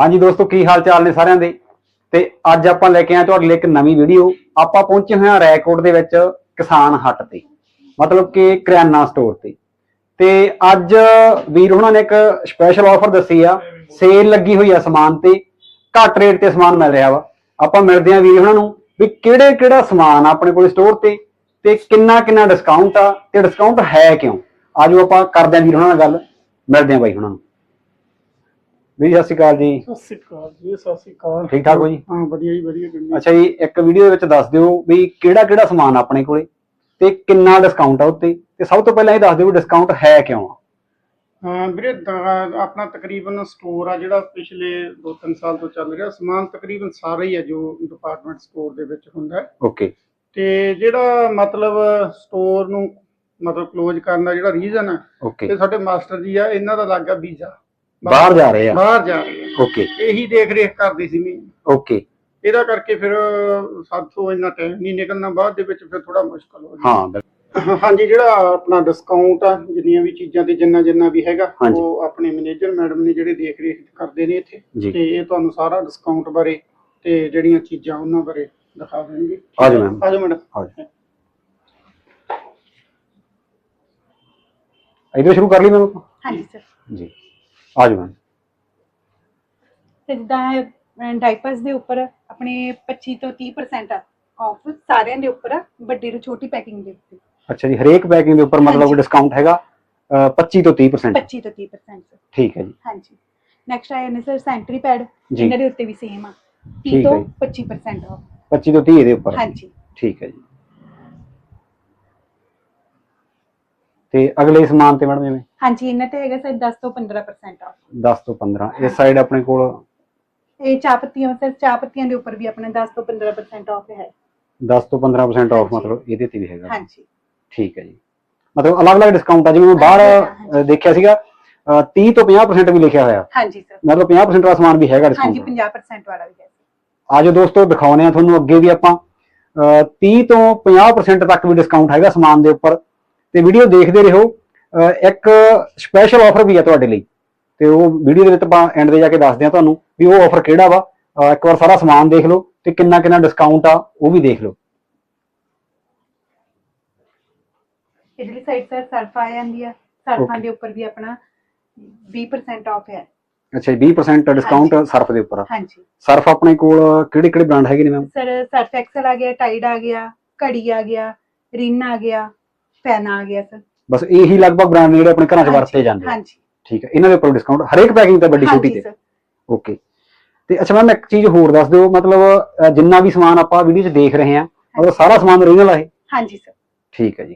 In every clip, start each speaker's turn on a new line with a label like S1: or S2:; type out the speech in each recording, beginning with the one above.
S1: हाँ जी दोस्तों, की हाल चाल ने सारिਆਂ ਦੇ। ਤੇ ਅੱਜ ਆਪਾਂ ਲੈ ਕੇ ਆਏ ਤੁਹਾਡੇ ਲਈ ਇੱਕ ਨਵੀਂ ਵੀਡੀਓ। ਆਪਾਂ ਪਹੁੰਚੇ ਹੋਏ ਹਾਂ ਰੈਕੋਟ ਦੇ ਵਿੱਚ ਕਿਸਾਨ ਹੱਟ ਤੇ, ਮਤਲਬ ਕਿ ਕਰਿਆਨਾ ਸਟੋਰ ਤੇ ਅੱਜ ਵੀਰ ਉਹਨਾਂ ਨੇ ਇੱਕ ਸਪੈਸ਼ਲ ਆਫਰ ਦੱਸੀ ਆ। ਸੇਲ ਲੱਗੀ ਹੋਈ ਆ ਸਮਾਨ ਤੇ, ਘੱਟ ਰੇਟ ਤੇ ਸਮਾਨ ਮਿਲ ਰਿਹਾ ਵਾ। ਆਪਾਂ ਮਿਲਦੇ ਹਾਂ ਵੀਰ ਉਹਨਾਂ ਨੂੰ ਵੀ ਕਿਹੜਾ ਸਮਾਨ ਆਪਣੇ ਕੋਲ ਸਟੋਰ ਤੇ ਕਿੰਨਾ ਡਿਸਕਾਊਂਟ ਆ ਤੇ ਡਿਸਕਾਊਂਟ ਹੈ ਕਿਉਂ। ਆਜੋ ਆਪਾਂ ਕਰਦੇ ਹਾਂ ਵੀਰ ਉਹਨਾਂ ਨਾਲ ਗੱਲ, ਮਿਲਦੇ ਹਾਂ ਬਾਈ ਉਹਨਾਂ ਨੂੰ। ਵੀਰ ਸਤਿ ਸ਼੍ਰੀ ਅਕਾਲ ਜੀ।
S2: ਸਤਿ ਸ਼੍ਰੀ ਅਕਾਲ ਜੀ। ਸਤਿ ਸ਼੍ਰੀ ਅਕਾਲ।
S1: ਠੀਕ ਠਾਕ ਹੋ ਜੀ?
S2: ਹਾਂ ਵਧੀਆ ਜੀ, ਵਧੀਆ।
S1: ਅੱਛਾ ਜੀ, ਇੱਕ ਵੀਡੀਓ ਦੇ ਵਿੱਚ ਦੱਸ ਦਿਓ ਵੀ ਕਿਹੜਾ ਸਮਾਨ ਆਪਣੇ ਕੋਲੇ ਤੇ ਕਿੰਨਾ ਡਿਸਕਾਊਂਟ ਆ ਉੱਤੇ, ਤੇ ਸਭ ਤੋਂ ਪਹਿਲਾਂ ਇਹ ਦੱਸ ਦਿਓ ਵੀ ਡਿਸਕਾਊਂਟ ਹੈ ਕਿਉਂ ਆ।
S2: ਹਾਂ ਵੀਰੇ, ਆਪਣਾ ਤਕਰੀਬਨ ਸਟੋਰ ਆ ਜਿਹੜਾ ਪਿਛਲੇ 2-3 ਸਾਲ ਤੋਂ ਚੱਲ ਰਿਹਾ। ਸਮਾਨ ਤਕਰੀਬਨ ਸਾਰਾ ਹੀ ਹੈ ਜੋ ਡਿਪਾਰਟਮੈਂਟ ਸਟੋਰ ਦੇ ਵਿੱਚ ਹੁੰਦਾ ਹੈ।
S1: ਓਕੇ।
S2: ਤੇ ਜਿਹੜਾ ਮਤਲਬ ਸਟੋਰ ਨੂੰ ਮਤਲਬ ਕਲੋਜ਼ ਕਰਨ ਦਾ ਜਿਹੜਾ ਰੀਜ਼ਨ ਹੈ,
S1: ਓਕੇ।
S2: ਤੇ ਸਾਡੇ ਮਾਸਟਰ ਜੀ ਆ, ਇਹਨਾਂ ਦਾ ਲੱਗ ਗਿਆ ਵੀਜ਼ਾ,
S1: ਬਾਹਰ ਜਾ ਰਹੇ ਆ।
S2: ਬਾਹਰ ਜਾ ਰਹੇ ਆ।
S1: ਓਕੇ।
S2: ਇਹੀ ਦੇਖ ਰੇਖ ਕਰਦੀ ਸੀ ਮੈਂ।
S1: ਓਕੇ।
S2: ਇਹਦਾ ਕਰਕੇ ਫਿਰ ਸਾਥੋਂ ਇੰਨਾ ਟਾਈਮ ਨਹੀਂ ਨਿਕਲਣਾ, ਬਾਅਦ ਦੇ ਵਿੱਚ ਫਿਰ ਥੋੜਾ ਮੁਸ਼ਕਲ ਹੋ ਜਾਂਦਾ।
S1: ਹਾਂ
S2: ਹਾਂਜੀ, ਜਿਹੜਾ ਆਪਣਾ ਡਿਸਕਾਊਂਟ ਆ ਜਿੰਨੀਆਂ ਵੀ ਚੀਜ਼ਾਂ ਤੇ ਜਿੰਨਾ ਵੀ ਹੈਗਾ, ਉਹ ਆਪਣੇ ਮੈਨੇਜਰ ਮੈਡਮ ਨੇ ਜਿਹੜੇ ਦੇਖ ਰੇਖ ਕਰਦੇ ਨੇ ਇੱਥੇ, ਤੇ ਇਹ ਤੁਹਾਨੂੰ ਸਾਰਾ ਡਿਸਕਾਊਂਟ ਬਾਰੇ ਤੇ ਜਿਹੜੀਆਂ ਚੀਜ਼ਾਂ ਉਹਨਾਂ ਬਾਰੇ ਦਿਖਾ ਦੇਣਗੇ।
S1: ਆਜੋ ਮੈਮ।
S2: ਆਜੋ ਮੈਡਮ।
S1: ਇਧਰ ਸ਼ੁਰੂ ਕਰ ਲਈ ਮੈਮ।
S3: ਹਾਂਜੀ ਸਰ
S1: ਜੀ, ਆਜੋ ਮੈਮ।
S3: ਤੇ ਜਿੱਦਾਂ ਡਾਈਪਰਸ ਦੇ ਉੱਪਰ ਆਪਣੇ 25 ਤੋਂ 30% ਆਫ ਸਾਰਿਆਂ ਦੇ ਉੱਪਰ, ਵੱਡੀ ਤੋਂ ਛੋਟੀ ਪੈਕਿੰਗ ਦੇ ਉੱਤੇ।
S1: ਅੱਛਾ ਜੀ, ਹਰੇਕ ਪੈਕਿੰਗ ਦੇ ਉੱਪਰ ਮਤਲਬ ਡਿਸਕਾਊਂਟ ਹੈਗਾ 25 ਤੋਂ 30%।
S3: 25 ਤੋਂ 30%।
S1: ਠੀਕ ਹੈ ਜੀ।
S3: ਹਾਂਜੀ, ਨੈਕਸਟ ਆਇਆ ਨੇ ਸਰ ਸੈਂਟਰੀ ਪੈਡ,
S1: ਜੀ।
S3: ਇਹਨਾਂ ਦੇ ਉੱਤੇ ਵੀ ਸੇਮ ਆ, 30
S1: ਠੀਕ
S3: ਤੋਂ
S1: ਹੈ ਜੀ।
S3: 25% ਆਫ।
S1: 25 ਤੋਂ 30 ਦੇ ਉੱਪਰ।
S3: ਹਾਂਜੀ
S1: ਠੀਕ ਹੈ ਜੀ। ਤੇ ਅਗਲੇ ਸਮਾਨ ਤੇ ਮੈਡਮ ਜਿਵੇਂ
S3: ਹਾਂਜੀ, ਇਹਨਾਂ ਤੇ ਹੈਗਾ ਸਰ 10 ਤੋਂ 15% ਆਫ।
S1: 10 ਤੋਂ 15। ਇਸ ਸਾਈਡ ਆਪਣੇ ਕੋਲ
S3: ਇਹ ਚਾਹ ਪੱਤੀਆਂ, ਸਰ ਚਾਹ ਪੱਤੀਆਂ ਦੇ ਉੱਪਰ ਵੀ ਆਪਣਾ 10 ਤੋਂ 15% ਆਫ ਹੈ।
S1: 10 ਤੋਂ 15% ਆਫ ਮਤਲਬ ਇਹਦੇ ਤੇ ਵੀ ਹੈਗਾ।
S3: ਹਾਂਜੀ
S1: ਠੀਕ ਹੈ ਜੀ, ਮਤਲਬ ਅਲੱਗ-ਅਲੱਗ ਡਿਸਕਾਊਂਟ ਆ। ਜਿਵੇਂ ਮੈਂ ਬਾਹਰ ਦੇਖਿਆ ਸੀਗਾ 30 ਤੋਂ 50% ਵੀ ਲਿਖਿਆ ਹੋਇਆ।
S3: ਹਾਂਜੀ ਸਰ,
S1: ਮਤਲਬ 50% ਦਾ ਸਮਾਨ ਵੀ ਹੈਗਾ ਡਿਸਕਾਊਂਟ।
S3: ਹਾਂਜੀ 50% ਵਾਲਾ ਵੀ ਹੈ।
S1: ਆਜੋ ਦੋਸਤੋ, ਦਿਖਾਉਣੇ ਆ ਤੁਹਾਨੂੰ ਅੱਗੇ ਵੀ ਆਪਾਂ 30 ਤੋਂ 50% ਤੱਕ ਵੀ ਡਿਸਕਾਊਂਟ ਹੈਗਾ ਸਮਾਨ ਦੇ ਉੱਪਰ। ਤੇ ਵੀਡੀਓ ਦੇਖਦੇ ਰਹੋ। ਇੱਕ ਸਪੈਸ਼ਲ ਆਫਰ ਵੀ ਆ ਤੁਹਾਡੇ ਲਈ, ਤੇ ਉਹ ਵੀਡੀਓ ਦੇ ਵਿੱਚ ਆਪਾਂ ਐਂਡ ਤੇ ਜਾ ਕੇ ਦੱਸਦੇ ਆ ਤੁਹਾਨੂੰ ਵੀ ਉਹ ਆਫਰ ਕਿਹੜਾ ਵਾ। ਇੱਕ ਵਾਰ ਸਾਰਾ ਸਮਾਨ ਦੇਖ ਲਓ ਤੇ ਕਿੰਨਾ ਡਿਸਕਾਊਂਟ ਆ ਉਹ ਵੀ ਦੇਖ ਲਓ।
S3: ਇਧਰਲੀ ਸਾਈਡ ਸਰ ਸਰਫ ਆ ਜਾਂਦੀ ਆ, ਸਰਫਾਂ ਦੇ ਉੱਪਰ ਵੀ ਆਪਣਾ 20% ਆਫ ਹੈ।
S1: ਅੱਛਾ ਜੀ, 20% ਡਿਸਕਾਊਂਟ ਸਰਫ ਦੇ ਉੱਪਰ।
S3: ਹਾਂਜੀ,
S1: ਸਰਫ ਆਪਣੇ ਕੋਲ ਕਿਹੜੇ ਬ੍ਰਾਂਡ ਹੈਗੇ ਨੇ ਮੈਮ?
S3: ਸਰ ਸਰਫ ਐਕਸਲ ਆ ਗਿਆ, ਟਾਈਡ ਆ ਗਿਆ, ਘੜੀ ਆ ਗਿਆ, ਰਿਨ ਆ ਗਿਆ, ਪੈਨ ਆ ਗਿਆ ਸਰ।
S1: ਬਸ ਇਹੀ ਲਗਭਗ ਬ੍ਰਾਂਡ ਨੇ ਜਿਹੜੇ ਆਪਣੇ ਘਰਾਂ 'ਚ ਵਰਤੇ ਜਾਂਦੇ ਆ।
S3: ਹਾਂਜੀ,
S1: ਠੀਕ ਹੈ, ਇਹਨਾਂ ਦੇ ਉੱਪਰ ਡਿਸਕਾਊਂਟ ਹਰੇਕ ਪੈਕਿੰਗ ਤੇ, ਵੱਡੀ ਛੋਟੀ ਤੇ। ਓਕੇ। ਤੇ ਅੱਛਾ ਮੈਮ, ਇੱਕ ਚੀਜ਼ ਹੋਰ ਦੱਸ ਦਿਓ, ਮਤਲਬ ਜਿੰਨਾ ਵੀ ਸਮਾਨ ਆਪਾਂ ਵੀਡੀਓ 'ਚ ਦੇਖ ਰਹੇ ਹਾਂ, ਮਤਲਬ ਸਾਰਾ ਸਮਾਨ ਓਰੀਜਨਲ ਆ ਇਹ?
S3: ਹਾਂਜੀ ਸਰ।
S1: ਠੀਕ ਹੈ ਜੀ।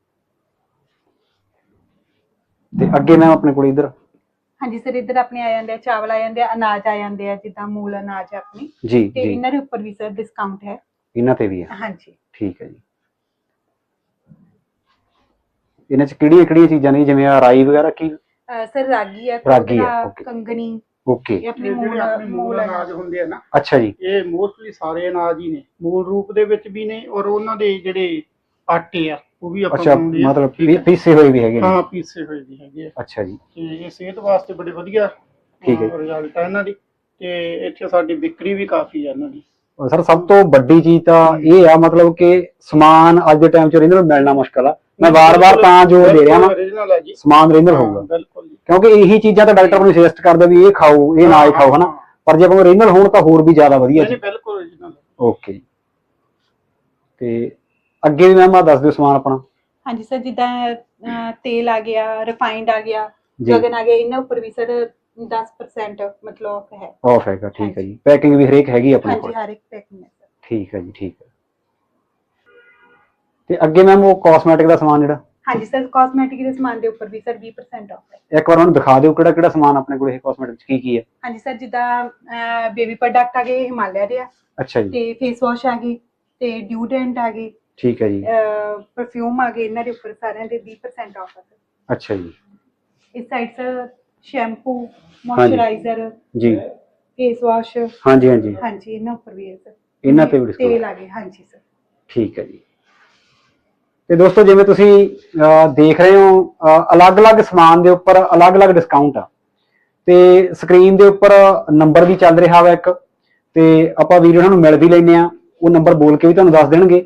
S1: ਤੇ ਅੱਗੇ ਮੈਮ ਆਪਣੇ ਕੋਲ ਇਧਰ?
S3: ਹਾਂਜੀ ਸਰ, ਇੱਧਰ ਆਪਣੇ ਆ ਜਾਂਦੇ ਆ ਚਾਵਲ, ਆ ਜਾਂਦੇ ਆ ਅਨਾਜ, ਆ ਜਾਂਦੇ ਆ ਜਿੱਦਾਂ ਮੂਲ ਅਨਾਜ ਆਪਣੀ।
S1: ਜੀ
S3: ਤੇ
S1: ਜੀ,
S3: ਇਹਨਾਂ ਦੇ ਉੱਪਰ ਵੀ ਸਰ ਡਿਸਕਾਊਂਟ ਹੈ।
S1: ਇਹਨਾਂ ਤੇ ਵੀ ਹੈ?
S3: ਹਾਂਜੀ।
S1: ਠੀਕ ਹੈ ਜੀ। ਇਹਨਾਂ 'ਚ ਕਿਹੜੀਆਂ ਚੀਜ਼ਾਂ ਨੇ, ਜਿਵੇਂ ਰਾਈ ਵਗੈਰਾ? ਕੀ
S3: ਸਰ ਰਾਗੀ ਆ, ਕੰਗਣੀ।
S1: ਓਕੇ।
S3: ਇਹ ਆਪਣੇ ਮੂਲ
S2: ਅਨਾਜ ਹੁੰਦੇ ਆ ਨਾ।
S1: ਅੱਛਾ ਜੀ।
S2: ਇਹ ਮੋਸਟਲੀ ਸਾਰੇ ਅਨਾਜ ਹੀ ਨੇ, ਮੂਲ ਰੂਪ ਦੇ ਵਿੱਚ ਵੀ ਨੇ, ਔਰ ਉਹਨਾਂ ਦੇ ਜਿਹੜੇ ਆਟੇ ਆ ਉਹ ਵੀ ਆਪਾਂ ਬਣਾਉਂਦੇ ਆ।
S1: ਮਤਲਬ ਪੀਸੇ ਹੋਏ ਵੀ ਹੈਗੇ ਨੇ?
S2: ਹਾਂ, ਪੀਸੇ ਹੋਏ ਵੀ ਹੈਗੇ ਆ।
S1: ਅੱਛਾ ਜੀ।
S2: ਤੇ ਇਹ ਸਿਹਤ ਵਾਸਤੇ ਬੜੇ ਵਧੀਆ ਰਿਜ਼ਲਟ ਆ ਇਹਨਾਂ ਦੀ, ਤੇ ਇੱਥੇ ਸਾਡੀ ਵਿਕਰੀ ਵੀ ਕਾਫੀ ਆ ਇਹਨਾਂ ਦੀ।
S1: ਸਰ ਸਭ ਤੋਂ ਵੱਡੀ ਚੀਜ਼ ਤਾਂ ਇਹ ਆ, ਮਤਲਬ ਕਿ ਸਮਾਨ ਅੱਜ ਦੇ ਟਾਈਮ 'ਚ ਓਰੀਜਨਲ ਮਿਲਣਾ ਮੁਸ਼ਕਲ ਆ। ਮੈਂ ਵਾਰ-ਵਾਰ ਤਾਂ ਜ਼ੋਰ ਦੇ ਰਿਹਾ ਵਾਂ, ਸਮਾਨ ਓਰੀਜਨਲ ਹੋਊਗਾ।
S2: ਬਿਲਕੁਲ, ਕਿਉਂਕਿ
S1: ਕਿਉਂਕਿ ਇਹੀ ਚੀਜ਼ਾਂ ਤਾਂ ਡਾਕਟਰ ਨੂੰ ਸੁਜੈਸਟ ਕਰਦਾ ਵੀ ਇਹ ਖਾਓ, ਇਹ ਨਾ ਖਾਓ, ਹਨਾ। ਪਰ ਜੇ ਆਪਾਂ ਓਰੀਜਨਲ ਹੋਣ ਤਾਂ ਹੋਰ ਵੀ ਜ਼ਿਆਦਾ ਵਧੀਆ ਜੀ।
S2: ਬਿਲਕੁਲ ਓਰੀਜਨਲ। ਓਕੇ।
S1: ਤੇ ਅੱਗੇ ਵੀ ਮੈਮ ਆ ਦੱਸ ਦਿਓ ਸਮਾਨ ਆਪਣਾ।
S3: ਹਾਂਜੀ ਸਰ, ਜਿੱਦਾਂ ਤੇਲ ਆ ਗਿਆ, ਰਿਫਾਈਨਡ ਆ ਗਿਆ, ਗਗਨ ਆ ਗਿਆ, ਇਹਨਾਂ ਉੱਪਰ ਵੀ ਸਰ 10% ਮਤਲਬ ਆਫ ਹੈ।
S1: ਆਫ ਹੈਗਾ, ਠੀਕ ਹੈ ਜੀ। ਪੈਕਿੰਗ ਵੀ ਹਰੇਕ ਹੈਗੀ ਆਪਣੇ ਕੋਲ?
S3: ਹਾਂਜੀ, ਹਰ ਇੱਕ ਪੈਕਿੰਗ ਹੈ ਸਰ।
S1: ਠੀਕ ਹੈ ਜੀ, ਠੀਕ ਹੈ। ਤੇ ਅੱਗੇ ਮੈਮ ਉਹ ਕਾਸਮੈਟਿਕ ਦਾ ਸਮਾਨ ਜਿਹੜਾ?
S3: ਹਾਂਜੀ ਸਰ, ਕਾਸਮੈਟਿਕ ਦੇ ਸਮਾਨ ਦੇ ਉੱਪਰ ਵੀ ਸਰ 20% ਆਫ ਹੈ।
S1: ਇੱਕ ਵਾਰ ਉਹਨੂੰ ਦਿਖਾ ਦਿਓ ਕਿਹੜਾ ਸਮਾਨ ਆਪਣੇ ਕੋਲ ਇਹ ਕਾਸਮੈਟਿਕ 'ਚ ਕੀ ਹੈ?
S3: ਹਾਂਜੀ ਸਰ, ਜਿੱਦਾਂ ਬੇਬੀ ਪ੍ਰੋਡਕਟ ਆ ਗਏ ਹਿਮਾਲਿਆ ਦੇ ਆ। ਅੱਛਾ ਜੀ। ਤੇ ਫੇਸ ਵਾਸ਼ ਆ ਗਈ, ਤੇ ਡਿਊਡਰੈਂਟ ਆ ਗਈ।
S1: ਠੀਕ ਹੈ ਜੀ।
S3: ਪਰਫਿਊਮ ਆ ਗਏ, ਇਹਨਾਂ ਦੇ ਉੱਪਰ ਸਾਰਿਆਂ ਦੇ 20% ਆਫ ਹੈ ਸਰ।
S1: ਅੱਛਾ ਜੀ।
S3: ਇਸ ਸਾਈਡ ਸਰ ਸ਼ੈਂਪੂ, ਮੋਇਸਚਰਾਈਜ਼ਰ
S1: ਜੀ,
S3: ਫੇਸ ਵਾਸ਼। ਹਾਂਜੀ, ਇਹਨਾਂ ਉੱਪਰ ਵੀ ਹੈ ਸਰ।
S1: ਇਹਨਾਂ ਤੇ ਵੀ
S3: ਤੇਲ ਆ ਗਏ। ਹਾਂਜੀ ਸਰ।
S1: ਠੀਕ ਹੈ ਜੀ। ਤੇ ਦੋਸਤੋ, ਜਿਵੇਂ ਤੁਸੀਂ ਦੇਖ ਰਹੇ ਹੋ, ਅਲੱਗ-ਅਲੱਗ ਸਮਾਨ ਦੇ ਉੱਪਰ ਅਲੱਗ-ਅਲੱਗ ਡਿਸਕਾਊਂਟ ਆ। ਤੇ ਸਕਰੀਨ ਦੇ ਉੱਪਰ ਨੰਬਰ ਵੀ ਚੱਲ ਰਿਹਾ ਵਾ ਇੱਕ, ਤੇ ਆਪਾਂ ਵੀਰ ਉਹਨਾਂ ਨੂੰ ਮਿਲ ਵੀ ਲੈਂਦੇ ਆ, ਉਹ ਨੰਬਰ ਬੋਲ ਕੇ ਵੀ ਤੁਹਾਨੂੰ ਦੱਸ ਦੇਣਗੇ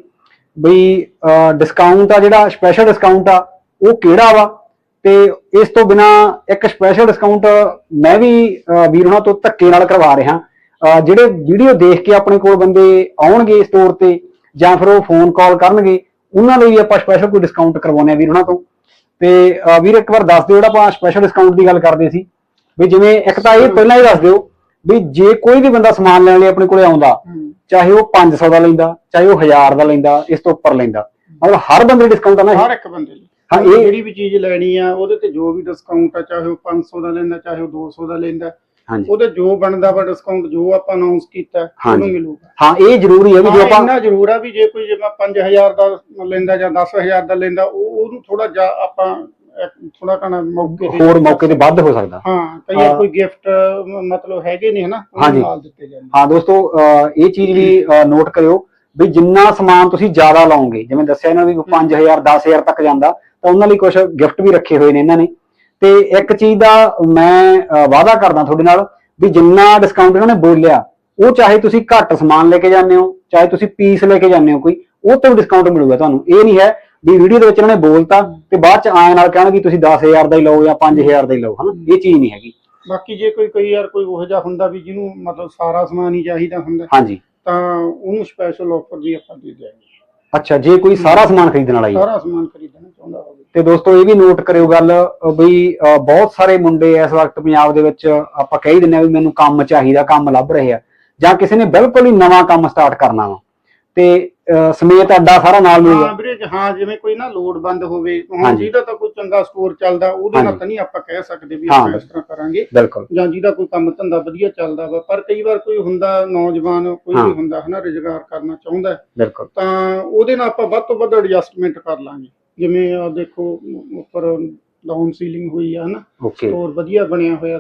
S1: ਬਈ ਡਿਸਕਾਊਂਟ ਆ, ਜਿਹੜਾ ਸਪੈਸ਼ਲ ਡਿਸਕਾਊਂਟ ਆ ਉਹ ਕਿਹੜਾ ਵਾ। ਤੇ ਇਸ ਤੋਂ ਬਿਨਾ ਇੱਕ ਸਪੈਸ਼ਲ ਡਿਸਕਾਊਂਟ ਮੈਂ ਵੀ ਵੀਰ ਉਹਨਾਂ ਤੋਂ ਧੱਕੇ ਨਾਲ ਕਰਵਾ ਰਿਹਾ। ਜਿਹੜੇ ਵੀਡੀਓ ਦੇਖ ਕੇ ਆਪਣੇ ਕੋਲ ਬੰਦੇ ਆਉਣਗੇ ਸਟੋਰ ਤੇ ਜਾਂ ਫਿਰ ਉਹ ਫੋਨ ਕਾਲ ਕਰਨਗੇ, ਉਹਨਾਂ ਲਈ ਵੀ ਆਪਾਂ ਸਪੈਸ਼ਲ ਕੋਈ ਡਿਸਕਾਊਂਟ ਕਰਵਾਉਂਦੇ ਆ ਵੀਰ ਉਹਨਾਂ ਤੋਂ। ਤੇ ਵੀਰ ਇੱਕ ਵਾਰ ਦੱਸ ਦਿਓ, ਜਿਹੜਾ ਆਪਾਂ ਸਪੈਸ਼ਲ ਡਿਸਕਾਊਂਟ ਦੀ ਗੱਲ ਕਰਦੇ ਸੀ ਵੀ ਜਿਵੇਂ ਇੱਕ ਤਾਂ ਇਹ ਪਹਿਲਾਂ ਹੀ ਦੱਸ ਦਿਓ ਵੀ ਜੇ ਕੋਈ ਵੀ ਬੰਦਾ ਸਮਾਨ ਲੈਣ ਲਈ ਆਪਣੇ ਕੋਲੇ ਆਉਂਦਾ, ਚਾਹੇ ਉਹ 500 ਦਾ ਲੈਂਦਾ, ਚਾਹੇ ਉਹ 1000 ਦਾ ਲੈਂਦਾ, ਇਸ ਤੋਂ ਉੱਪਰ ਲੈਂਦਾ, ਮਤਲਬ ਹਰ ਬੰਦੇ ਡਿਸਕਾਊਂਟ ਆ ਨਾ?
S2: ਹਰ ਇੱਕ ਬੰਦੇ ਲਈ। ਹਾਂ, ਇਹ ਜਿਹੜੀ ਵੀ ਚੀਜ਼ ਲੈਣੀ ਆ ਉਹਦੇ ਤੇ ਜੋ ਵੀ ਡਿਸਕਾਊਂਟ ਆ, ਚਾਹੇ ਉਹ 500 ਦਾ ਲੈਂਦਾ, ਚਾਹੇ ਉਹ 200 ਦਾ ਲੈਂਦਾ, ਉਹਦੇ ਜੋ ਬਣਦਾ ਵਾ ਡਿਸਕਾਊਂਟ ਜੋ ਆਪਾਂ ਅਨਾਉਂਸ ਕੀਤਾ ਉਹਨੂੰ ਮਿਲੂਗਾ।
S1: ਹਾਂ, ਇਹ ਜ਼ਰੂਰੀ ਹੈ ਵੀ ਜੋ ਆਪਾਂ
S2: ਇੰਨਾ ਜ਼ਰੂਰ ਆ ਵੀ ਜੇ ਕੋਈ ਜਿਵੇਂ 5000 ਦਾ ਲੈਂਦਾ ਜਾਂ 10000 ਦਾ ਲੈਂਦਾ, ਉਹਨੂੰ ਥੋੜਾ ਜਿਹਾ ਆਪਾਂ ਥੋੜਾ ਕਣਾ
S1: ਮੌਕੇ ਤੇ ਵੱਧ ਹੋ ਸਕਦਾ।
S2: ਹਾਂ, ਕਈ ਕੋਈ ਗਿਫਟ ਮਤਲਬ ਹੈਗੇ ਨੇ ਹਨਾ, ਉਹ ਨਾਲ ਦਿੱਤੇ ਜਾਂਦੇ।
S1: ਹਾਂ ਦੋਸਤੋ, ਇਹ ਚੀਜ਼ ਵੀ ਨੋਟ ਕਰਿਓ ਵੀ ਜਿੰਨਾ ਸਮਾਨ ਤੁਸੀਂ ਜ਼ਿਆਦਾ ਲਾਓਗੇ, ਜਿਵੇਂ ਦੱਸਿਆ ਇਹਨਾਂ ਵੀ 5000 10000 ਤੱਕ ਜਾਂਦਾ, ਤਾਂ ਉਹਨਾਂ ਲਈ ਕੁਝ ਗਿਫਟ ਵੀ ਰੱਖੇ ਹੋਏ ਨੇ ਇਹਨਾਂ ਨੇ। ਤੇ ਇੱਕ ਚੀਜ਼ ਦਾ ਮੈਂ ਵਾਅਦਾ ਕਰਦਾ ਤੁਹਾਡੇ ਨਾਲ ਵੀ ਜਿੰਨਾ ਡਿਸਕਾਊਂਟ ਇਹਨਾਂ ਨੇ ਬੋਲਿਆ, ਉਹ ਚਾਹੇ ਤੁਸੀਂ ਘੱਟ ਸਮਾਨ ਲੈ ਕੇ ਜਾਂਦੇ ਹੋ, ਚਾਹੇ ਤੁਸੀਂ ਪੀਸ ਲੈ ਕੇ ਜਾਂਦੇ ਹੋ ਕੋਈ, ਉਹ ਤੋਂ ਡਿਸਕਾਊਂਟ ਮਿਲੂਗਾ ਤੁਹਾਨੂੰ। ਇਹ ਨਹੀਂ ਹੈ ਵੀ ਵੀਡੀਓ ਦੇ ਵਿੱਚ ਇਹਨਾਂ ਨੇ ਬੋਲਤਾ ਤੇ ਬਾਅਦ ਚ ਆਏ ਨਾਲ ਕਹਿਣਗੇ ਤੁਸੀਂ 10000 ਦਾ ਹੀ ਲਓ ਜਾਂ 5000 ਦਾ ਹੀ ਲਓ, ਹਨਾ, ਇਹ ਚੀਜ਼ ਨਹੀਂ ਹੈਗੀ।
S2: ਬਾਕੀ ਜੇ ਕੋਈ ਯਾਰ ਕੋਈ ਉਹੋ ਜਿਹਾ ਹੁੰਦਾ ਵੀ ਜਿਹਨੂੰ ਮਤਲਬ ਸਾਰਾ ਸਮਾਨ ਹੀ ਚਾਹੀਦਾ ਹੁੰਦਾ,
S1: ਹਾਂਜੀ,
S2: ਤਾਂ ਉਹਨੂੰ ਸਪੈਸ਼ਲ ਆਫਰ ਵੀ ਆਪਾਂ ਦੇ ਦਿਆਂਗੇ।
S1: ਅੱਛਾ, ਜੇ ਕੋਈ ਸਾਰਾ ਸਮਾਨ ਖਰੀਦਣ ਵਾਲਾ ਹੀ
S2: ਸਾਰਾ ਸਮਾਨ ਖਰੀਦਣਾ ਚਾਹੁੰਦਾ ਹੋਵੇ।
S1: ਤੇ ਦੋਸਤੋ ਇਹ ਵੀ ਨੋਟ ਕਰਿਓ ਗੱਲ ਬਈ ਬਹੁਤ ਸਾਰੇ ਮੁੰਡੇ ਇਸ ਵਕਤ ਪੰਜਾਬ ਦੇ ਵਿੱਚ ਆਪਾਂ ਕਹਿ ਹੀ ਦਿੰਦੇ ਆ ਵੀ ਮੈਨੂੰ ਕੰਮ ਚਾਹੀਦਾ, ਕੰਮ ਲੱਭ ਰਹੇ ਆ, ਜਾਂ ਕਿਸੇ ਨੇ ਬਿਲਕੁਲ ਹੀ ਨਵਾਂ ਕੰਮ ਸਟਾਰਟ ਕਰਨਾ ਵਾ ਤੇ ਸਮੇਤ ਅੱਡਾ ਸਾਰਾ ਨਾਲ ਮਿਲੂਗਾ।
S2: ਹਾਂ ਵੀਰੇ, ਹਾਂ, ਜਿਵੇਂ ਕੋਈ ਨਾ ਲੋੜਵੰਦ ਹੋਵੇ, ਹੁਣ ਜਿਹਦਾ ਤਾਂ ਕੋਈ ਚੰਗਾ ਸਟੋਰ ਚੱਲਦਾ ਉਹਦੇ ਨਾਲ ਤਾਂ ਨਹੀਂ ਆਪਾਂ ਕਹਿ ਸਕਦੇ ਵੀ ਆਪਾਂ ਇਸ ਤਰ੍ਹਾਂ ਕਰਾਂਗੇ,
S1: ਬਿਲਕੁਲ,
S2: ਜਾਂ ਜਿਹਦਾ ਕੋਈ ਕੰਮ ਧੰਦਾ ਵਧੀਆ ਚੱਲਦਾ ਵਾ। ਪਰ ਕਈ ਵਾਰ ਕੋਈ ਹੁੰਦਾ ਨੌਜਵਾਨ, ਕੋਈ ਵੀ ਹੁੰਦਾ ਹਨਾ, ਰੁਜ਼ਗਾਰ ਕਰਨਾ ਚਾਹੁੰਦਾ,
S1: ਬਿਲਕੁਲ,
S2: ਤਾਂ ਉਹਦੇ ਨਾਲ ਆਪਾਂ ਵੱਧ ਤੋਂ ਵੱਧ ਐਡਜਸਟਮੈਂਟ ਕਰ ਲਾਂਗੇ। ਜਿਵੇਂ ਆ ਦੇਖੋ ਉੱਪਰ ਡਾਊਨ ਸੀਲਿੰਗ ਹੋਈ ਆ ਹਨਾ, ਸਟੋਰ ਵਧੀਆ ਬਣਿਆ ਹੋਇਆ,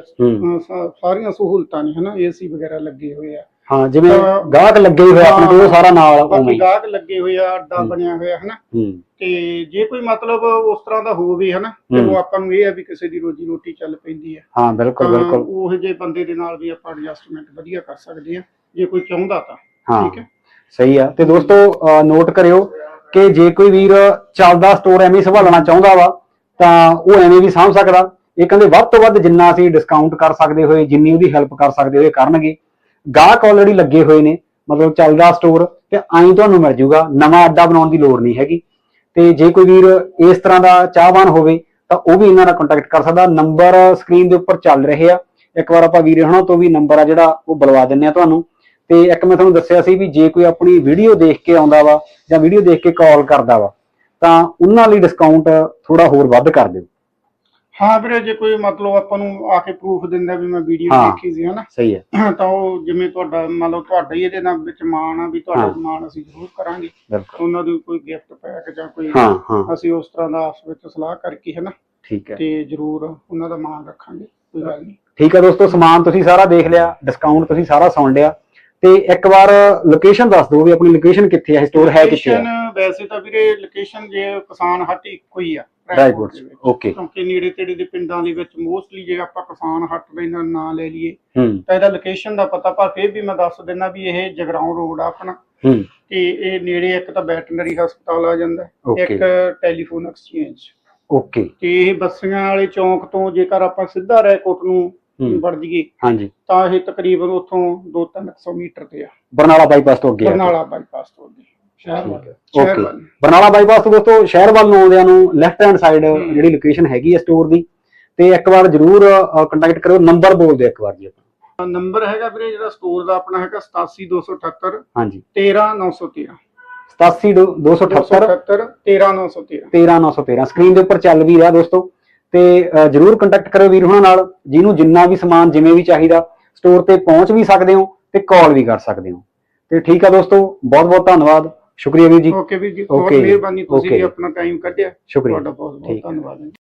S2: ਸਾਰੀਆਂ ਸਹੂਲਤਾਂ ਨੇ ਹਨਾ, ਏਸੀ ਵਗੈਰਾ ਲੱਗੇ ਹੋਏ ਆ।
S1: ਹਾਂ, ਜਿਵੇਂ ਗਾਹਕ ਲੱਗੇ ਹੋਏ ਆਪਣੇ ਕੋਲ ਸਾਰਾ ਨਾਲ,
S2: ਬਾਕੀ ਗਾਹਕ ਲੱਗੇ ਹੋਏ ਆ, ਅੱਡਾ ਬਣਿਆ ਹੋਇਆ ਹਨਾ। ਤੇ ਜੇ ਕੋਈ ਮਤਲਬ ਉਸ ਤਰ੍ਹਾਂ ਦਾ ਹੋਵੇ ਹਨਾ, ਤੇ ਉਹ ਆਪਾਂ ਨੂੰ ਇਹ ਹੈ ਵੀ ਕਿਸੇ ਦੀ ਰੋਜੀ ਰੋਟੀ ਚੱਲ ਪੈਂਦੀ ਹੈ।
S1: ਹਾਂ, ਬਿਲਕੁਲ ਬਿਲਕੁਲ,
S2: ਉਹ ਜਿਹੇ ਬੰਦੇ ਦੇ ਨਾਲ ਵੀ ਆਪਾਂ ਐਡਜਸਟਮੈਂਟ ਵਧੀਆ ਕਰ ਸਕਦੇ ਆ ਜੇ ਕੋਈ ਚਾਹੁੰਦਾ ਤਾਂ। ਠੀਕ ਹੈ,
S1: ਸਹੀ ਆ। ਤੇ ਦੋਸਤੋ ਨੋਟ ਕਰਿਓ ਕਿ ਜੇ ਕੋਈ ਵੀਰ ਚੱਲਦਾ ਸਟੋਰ ਐਵੇਂ ਸੰਭਾਲਣਾ ਚਾਹੁੰਦਾ ਵਾ ਤਾਂ ਉਹ ਐਵੇਂ ਵੀ ਸਾਂਭ ਸਕਦਾ। ਇਹ ਕਹਿੰਦੇ ਵੱਧ ਤੋਂ ਵੱਧ ਜਿੰਨਾ ਅਸੀਂ ਡਿਸਕਾਊਂਟ ਕਰ ਸਕਦੇ ਹੋਏ, ਜਿੰਨੀ ਉਹਦੀ ਹੈਲਪ ਕਰ ਸਕਦੇ ਹੋਏ ਕਰਨਗੇ। ਗਾਹਕ ਆਲਰੇਡੀ ਲੱਗੇ ਹੋਏ ਨੇ, ਮਤਲਬ ਚੱਲਦਾ ਸਟੋਰ, ਤੇ ਆਈ ਤੁਹਾਨੂੰ ਮਿਲ ਜੂਗਾ, ਨਵਾਂ ਅੱਡਾ ਬਣਾਉਣ ਦੀ ਲੋੜ ਨਹੀਂ ਹੈਗੀ। ਤੇ ਜੇ ਕੋਈ ਵੀਰ ਇਸ ਤਰ੍ਹਾਂ ਦਾ ਚਾਹਵਾਨ ਹੋਵੇ ਤਾਂ ਉਹ ਵੀ ਇਹਨਾਂ ਨਾਲ ਕੰਟੈਕਟ ਕਰ ਸਕਦਾ। ਨੰਬਰ ਸਕਰੀਨ ਦੇ ਉੱਪਰ ਚੱਲ ਰਹੇ ਆ, ਇੱਕ ਵਾਰ ਆਪਾਂ ਵੀਰ ਹੁਣਾਂ ਤੋਂ ਵੀ ਨੰਬਰ ਆ ਜਿਹੜਾ ਉਹ ਬੁਲਵਾ ਦਿੰਨੇ ਆ ਤੁਹਾਨੂੰ। ਤੇ ਇੱਕ ਮੈਂ ਤੁਹਾਨੂੰ ਦੱਸਿਆ ਸੀ ਵੀ ਜੇ ਕੋਈ ਆਪਣੀ ਵੀਡੀਓ ਦੇਖ ਕੇ ਆਉਂਦਾ ਵਾ ਜਾਂ ਵੀਡੀਓ ਦੇਖ ਕੇ ਕਾਲ ਕਰਦਾ ਵਾ ਤਾਂ ਉਹਨਾਂ ਲਈ ਡਿਸਕਾਊਂਟ ਥੋੜਾ ਹੋਰ ਵੱਧ ਕਰ ਦਿਓ।
S2: ਹਾਂ ਵੀਰੇ, ਜੇ ਕੋਈ ਮਤਲਬ ਆਪਾਂ ਨੂੰ ਆ ਕੇ ਪ੍ਰੂਫ ਦਿੰਦਾ ਵੀ ਮੈਂ ਵੀਡੀਓ ਦੇਖੀ ਸੀ ਹਨਾ, ਸਹੀ ਹੈ, ਤਾਂ ਉਹ ਜਿਵੇਂ ਤੁਹਾਡਾ ਮਤਲਬ ਤੁਹਾਡਾ ਹੀ ਇਹਦੇ ਨਾਲ ਵਿੱਚ ਮਾਣ ਆ ਵੀ ਤੁਹਾਡਾ ਮਾਣ ਅਸੀਂ ਜ਼ਰੂਰ ਕਰਾਂਗੇ। ਉਹਨਾਂ ਦੀ ਕੋਈ ਗਿਫਟ ਪੈਕ ਜਾਂ ਕੋਈ ਅਸੀਂ ਉਸ ਤਰ੍ਹਾਂ ਦਾ ਆਪਸ ਵਿੱਚ ਸਲਾਹ ਕਰਕੇ ਹਨਾ, ਠੀਕ ਹੈ, ਤੇ ਜ਼ਰੂਰ ਉਹਨਾਂ ਦਾ ਮਾਣ ਰੱਖਾਂਗੇ, ਕੋਈ ਗੱਲ ਨਹੀਂ। ਠੀਕ ਹੈ ਦੋਸਤੋ, ਸਮਾਨ ਤੁਸੀਂ ਸਾਰਾ ਦੇਖ ਲਿਆ, ਡਿਸਕਾਊਂਟ ਤੁਸੀਂ ਸਾਰਾ ਸੁਣ ਲਿਆ, ਤੇ ਇੱਕ ਵਾਰ ਲੋਕੇਸ਼ਨ ਦੱਸ ਦਿਓ ਵੀ ਆਪਣੀ ਲੋਕੇਸ਼ਨ ਕਿੱਥੇ ਹੈ, ਸਟੋਰ ਹੈ ਕਿੱਥੇ ਹੈ? ਵੈਸੇ ਤਾਂ ਵੀਰੇ ਲੋਕੇਸ਼ਨ ਜੇ ਕਿਸਾਨ ਹੱਟ ਇੱਕੋ ਹੀ ਆ, ਓਕੇ, ਕਿਉਂਕਿ ਨੇੜੇ ਤੇੜੇ ਦੇ ਪਿੰਡਾਂ ਦੇ ਵਿੱਚ ਮੋਸਟਲੀ ਜੇ ਆਪਾਂ ਕਿਸਾਨ ਹੱਟ ਦਾ ਨਾਂ ਲੈ ਲਈਏ ਤਾਂ ਇਹਦਾ ਲੋਕੇਸ਼ਨ ਦਾ ਪਤਾ, ਪਰ ਫਿਰ ਵੀ ਮੈਂ ਦੱਸ ਦਿੰਦਾ ਵੀ ਇਹ ਜਗਰਾਉਂ ਰੋਡ ਆ ਆਪਣਾ, ਤੇ ਇਹ ਨੇੜੇ ਇੱਕ ਤਾਂ ਵੈਟਰਨਰੀ ਹਸਪਤਾਲ ਆ ਜਾਂਦਾ, ਇੱਕ ਟੈਲੀਫੋਨ ਐਕਸਚੇਂਜ, ਓਕੇ, ਤੇ ਇਹ ਬੱਸੀਆਂ ਵਾਲੇ ਚੌਂਕ ਤੋਂ ਜੇਕਰ ਆਪਾਂ ਸਿੱਧਾ ਰੈਕੋਟ ਨੂੰ ਵੜ ਜੀਏ ਹਾਂਜੀ ਤਾਂ ਇਹ ਤਕਰੀਬਨ ਉੱਥੋਂ 200-300 ਮੀਟਰ ਤੇ ਆ, ਬਰਨਾਲਾ ਬਾਈਪਾਸ ਤੋਂ ਅੱਗੇ, ਬਰਨਾਲਾ ਬਾਈਪਾਸ ਤੋਂ ਅੱਗੇ ਸ਼ਹਿਰ ਵੱਲ। ਬਰਨਾਲਾ ਬਾਈਪਾਸ ਤੋਂ ਦੋਸਤੋ ਸ਼ਹਿਰ ਵੱਲ ਨੂੰ ਆਉਂਦਿਆਂ ਨੂੰ ਲੈਫਟ ਹੈਂਡ ਸਾਈਡ ਜਿਹੜੀ ਲੋਕੇਸ਼ਨ ਹੈਗੀ ਹੈ ਸਟੋਰ ਦੀ, ਤੇ ਇੱਕ ਵਾਰ ਜਰੂਰ ਕੰਟੈਕਟ ਕਰਿਓ। ਨੰਬਰ ਬੋਲ ਦਿਓ ਇੱਕ ਵਾਰ ਜੀ। ਨੰਬਰ ਹੈਗਾ ਵੀਰੇ ਜਿਹੜਾ ਸਟੋਰ ਦਾ ਆਪਣਾ ਹੈਗਾ 87278 ਹਾਂਜੀ 13913, 87278 13913 ਸਕਰੀਨ ਦੇ ਉੱਪਰ ਚੱਲ ਵੀ ਰਿਹਾ ਦੋਸਤੋ। ਤੇ ਜਰੂਰ ਕੰਟੈਕਟ ਕਰਿਓ ਵੀਰ ਹੁਣਾਂ ਨਾਲ, ਜਿਹਨੂੰ ਜਿੰਨਾ ਵੀ ਸਮਾਨ ਜਿਵੇਂ ਵੀ ਚਾਹੀਦਾ ਸਟੋਰ ਤੇ ਪਹੁੰਚ ਵੀ ਸਕਦੇ ਹੋ ਤੇ ਕਾਲ ਵੀ ਕਰ ਸਕਦੇ ਹੋ। ਤੇ ਠੀਕ ਆ ਦੋਸਤੋ, ਬਹੁਤ ਬਹੁਤ ਧੰਨਵਾਦ, ਸ਼ੁਕਰੀਆ ਵੀਰ ਜੀ। ਓਕੇ ਵੀਰ ਜੀ, ਬਹੁਤ ਮਿਹਰਬਾਨੀ, ਤੁਸੀਂ ਵੀ ਆਪਣਾ ਟਾਈਮ ਕੱਢਿਆ, ਸ਼ੁਕਰੀਆ, ਤੁਹਾਡਾ ਬਹੁਤ ਬਹੁਤ ਧੰਨਵਾਦ।